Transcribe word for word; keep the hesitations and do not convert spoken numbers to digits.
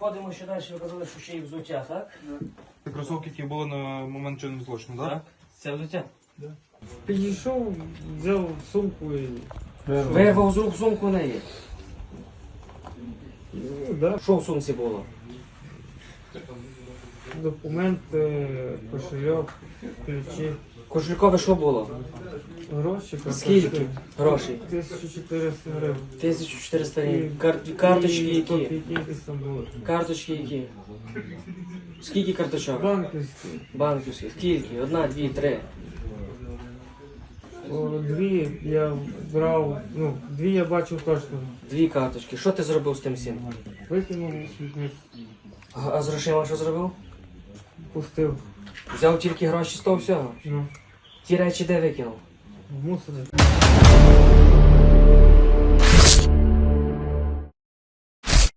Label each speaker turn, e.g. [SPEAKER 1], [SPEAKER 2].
[SPEAKER 1] Ходимо ще далі, ви казали, що ще й взуття, так?
[SPEAKER 2] Це кросовки, які були на момент чинного злочину, так?
[SPEAKER 1] Так. Це взуття.
[SPEAKER 3] Підійшов, взяв сумку і...
[SPEAKER 1] Вирвав з рук сумку неї.
[SPEAKER 3] Ну, да.
[SPEAKER 1] Що в сумці було?
[SPEAKER 3] Документи, кошельок, ключі,
[SPEAKER 1] Кошелькове що було?
[SPEAKER 3] гроші. карточки.
[SPEAKER 1] Скільки грошей?
[SPEAKER 3] тисяча чотириста гривень.
[SPEAKER 1] тисяча чотириста гривень. Кар- Карточки
[SPEAKER 3] І
[SPEAKER 1] які?
[SPEAKER 3] копійки якісь там були.
[SPEAKER 1] Карточки які? Скільки карточок?
[SPEAKER 3] Банківські.
[SPEAKER 1] Банківські. Скільки? Одна, дві, три.
[SPEAKER 3] О, дві я брав, ну, дві я бачив точно.
[SPEAKER 1] Дві карточки. Що ти зробив з тим всім?
[SPEAKER 3] Викинув у смітник,
[SPEAKER 1] А а з грошима що зробив?
[SPEAKER 3] пустив.
[SPEAKER 1] Взяв тільки гроші з того всього.
[SPEAKER 3] Ну,
[SPEAKER 1] Ті речі де викинув?
[SPEAKER 3] в мусор.